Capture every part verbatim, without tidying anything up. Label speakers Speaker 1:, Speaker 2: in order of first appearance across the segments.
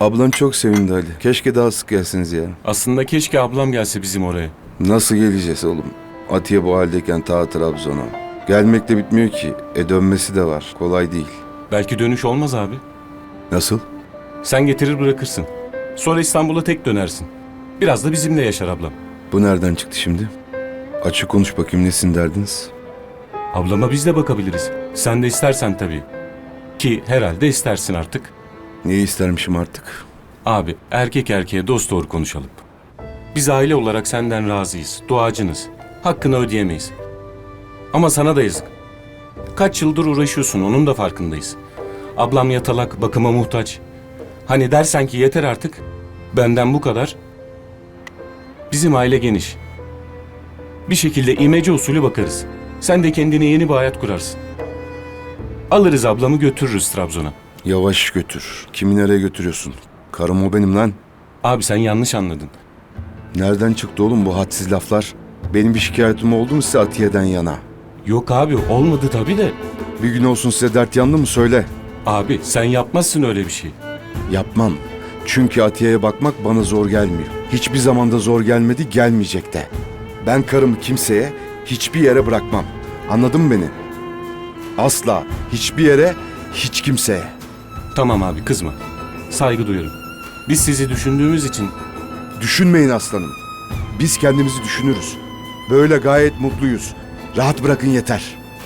Speaker 1: Ablan çok sevindi Ali. Keşke daha sık gelsiniz ya.
Speaker 2: Aslında keşke ablam gelse bizim oraya.
Speaker 1: Nasıl geleceğiz oğlum? Atiye bu haldeyken ta Trabzon'a. Gelmek de bitmiyor ki. E dönmesi de var. Kolay değil.
Speaker 2: Belki dönüş olmaz abi.
Speaker 1: Nasıl?
Speaker 2: Sen getirir bırakırsın. Sonra İstanbul'a tek dönersin. Biraz da bizimle yaşar ablam.
Speaker 1: Bu nereden çıktı şimdi? Açık konuş bakayım, nesin derdiniz?
Speaker 2: Ablama biz de bakabiliriz. Sen de istersen tabii. Ki herhalde istersin artık.
Speaker 1: Neyi istermişim artık?
Speaker 2: Abi erkek erkeğe dost doğru konuşalım. Biz aile olarak senden razıyız, duacınız. Hakkını ödeyemeyiz. Ama sana da yazık. Kaç yıldır uğraşıyorsun, onun da farkındayız. Ablam yatalak, bakıma muhtaç. Hani dersen ki yeter artık, benden bu kadar. Bizim aile geniş. Bir şekilde imece usulü bakarız. Sen de kendine yeni bir hayat kurarsın. Alırız ablamı götürürüz Trabzon'a.
Speaker 1: Yavaş götür. Kimi nereye götürüyorsun? Karım o benim lan.
Speaker 2: Abi sen yanlış anladın.
Speaker 1: Nereden çıktı oğlum bu hadsiz laflar? Benim bir şikayetim oldu mu size Atiye'den yana?
Speaker 2: Yok abi olmadı tabii de.
Speaker 1: Bir gün olsun size dert yandı mı söyle.
Speaker 2: Abi sen yapmazsın öyle bir şey.
Speaker 1: Yapmam. Çünkü Atiye'ye bakmak bana zor gelmiyor. Hiçbir zamanda zor gelmedi, gelmeyecek de. Ben karımı kimseye, hiçbir yere bırakmam. Anladın mı beni? Asla, hiçbir yere, hiç kimseye.
Speaker 2: Tamam abi kızma. Saygı duyuyorum. Biz sizi düşündüğümüz için
Speaker 1: Düşünmeyin aslanım. Biz kendimizi düşünürüz. Böyle gayet mutluyuz. Rahat bırakın yeter.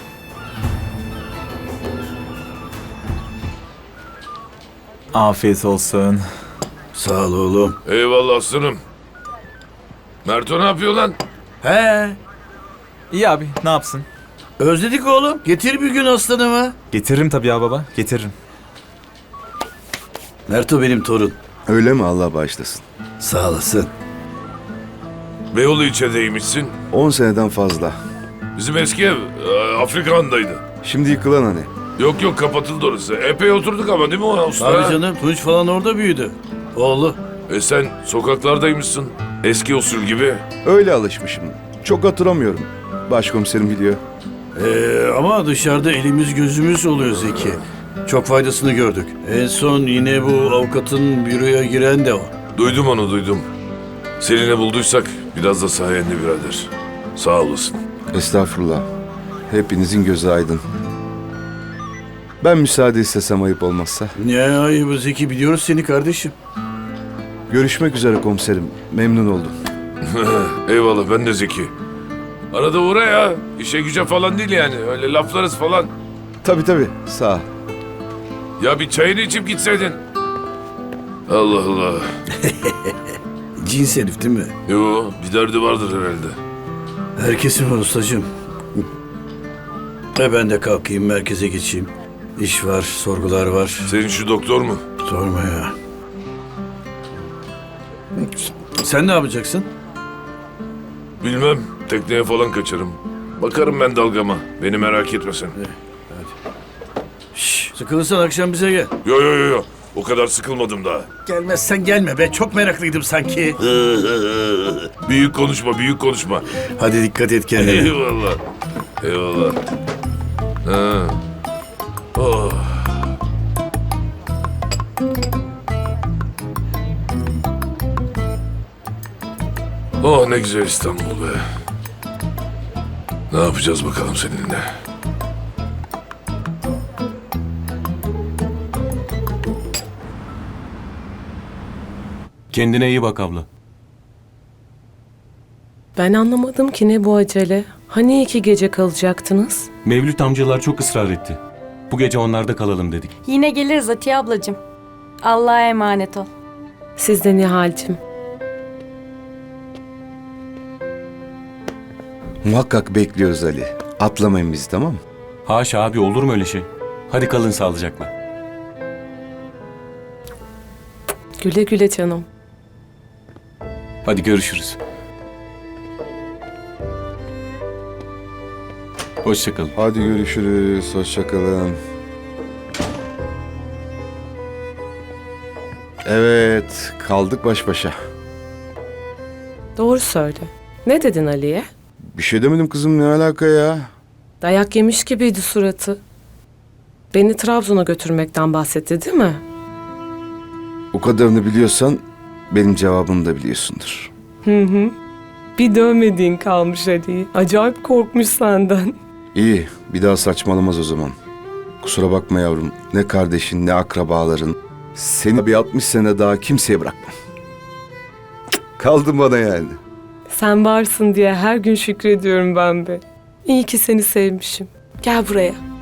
Speaker 3: Afiyet olsun.
Speaker 4: Sağ ol oğlum.
Speaker 5: Eyvallah aslanım. Merto ne yapıyor lan?
Speaker 4: He,
Speaker 3: İyi abi, ne yapsın?
Speaker 4: özledik oğlum. Getir bir gün aslanımı.
Speaker 3: Getiririm tabii ya baba, getiririm.
Speaker 4: Merto benim torun.
Speaker 1: Öyle mi, Allah bağışlasın.
Speaker 4: Sağ olasın.
Speaker 5: Beyoğlu ilçedeymişsin.
Speaker 1: On seneden fazla.
Speaker 5: Bizim eski ev e, Afrikan'daydı.
Speaker 1: Şimdi yıkılan hani.
Speaker 5: Yok yok kapatıldı orası. Epey oturduk ama değil mi o usta?
Speaker 4: Abi canım, Tunç falan orada büyüdü. Oğlu.
Speaker 5: E sen sokaklardaymışsın. Eski usul gibi.
Speaker 1: Öyle alışmışım. Çok hatırlamıyorum. Başkomiserim biliyor.
Speaker 4: Ee, ama dışarıda elimiz gözümüz oluyor Zeki. Çok faydasını gördük. En son yine bu avukatın büroya giren de o.
Speaker 5: Duydum onu duydum. Seni ne bulduysak biraz da sayende birader. Sağ olasın.
Speaker 1: Estağfurullah. Hepinizin gözü aydın. Ben müsaade istesem ayıp olmazsa.
Speaker 4: Ne ayıbı Zeki, biliyoruz seni kardeşim.
Speaker 1: Görüşmek üzere komiserim. Memnun oldum.
Speaker 5: Eyvallah ben de Zeki. Arada uğra ya. İşe güce falan değil yani. Öyle laflarız falan.
Speaker 1: Tabii tabii. Sağ ol.
Speaker 5: Ya bir çayını içip gitseydin. Allah Allah.
Speaker 4: Cins herif değil mi?
Speaker 5: Yo bir derdi vardır herhalde.
Speaker 4: Herkesin var ustacığım. E ben de kalkayım, merkeze geçeyim. İş var, sorgular var.
Speaker 5: Senin şu doktor mu?
Speaker 4: Sorma ya. Sen ne yapacaksın?
Speaker 5: Bilmem. Tekneye falan kaçarım. Bakarım ben dalgama. Beni merak etme sen.
Speaker 4: Şş, sıkılırsan akşam bize gel.
Speaker 5: Yo yo yo yo. O kadar sıkılmadım daha.
Speaker 4: Gelmezsen gelme be, çok meraklıydım sanki.
Speaker 5: Büyük konuşma, büyük konuşma.
Speaker 4: Hadi dikkat et kendine.
Speaker 5: Eyvallah. Eyvallah. Ha. Oh. Oh ne güzel İstanbul be. Ne yapacağız bakalım seninle?
Speaker 2: kendine iyi bak abla.
Speaker 6: Ben anlamadım ki ne bu acele. Hani iki gece kalacaktınız?
Speaker 2: Mevlüt amcalar çok ısrar etti. Bu gece onlarda kalalım dedik.
Speaker 7: Yine geliriz Atiye ablacığım. Allah'a emanet ol.
Speaker 6: Siz de Nihal'cim.
Speaker 1: Muhakkak bekliyoruz Ali. Atlamayın bizi, tamam mı?
Speaker 2: Haşa abi olur mu öyle şey? Hadi kalın sağlıcakla.
Speaker 6: Güle güle canım.
Speaker 2: Hadi görüşürüz. Hoşçakalın.
Speaker 1: Hadi görüşürüz. Hoşçakalın. Evet, kaldık baş başa.
Speaker 6: Doğru söyle. Ne dedin Ali'ye?
Speaker 1: Bir şey demedim kızım, ne alaka ya?
Speaker 6: Dayak yemiş gibiydi suratı. Beni Trabzon'a götürmekten bahsetti değil mi?
Speaker 1: O kadarını biliyorsan benim cevabımı da biliyorsundur.
Speaker 6: Hı hı. Bir dövmediğin kalmış Ali. Acayip korkmuş senden.
Speaker 1: İyi, bir daha saçmalamaz o zaman. Kusura bakma yavrum, ne kardeşin ne akrabaların. Seni bir altmış sene daha kimseye bırakmam. Kaldın bana yani.
Speaker 6: Sen varsın diye her gün şükrediyorum ben be. İyi ki seni sevmişim. Gel buraya.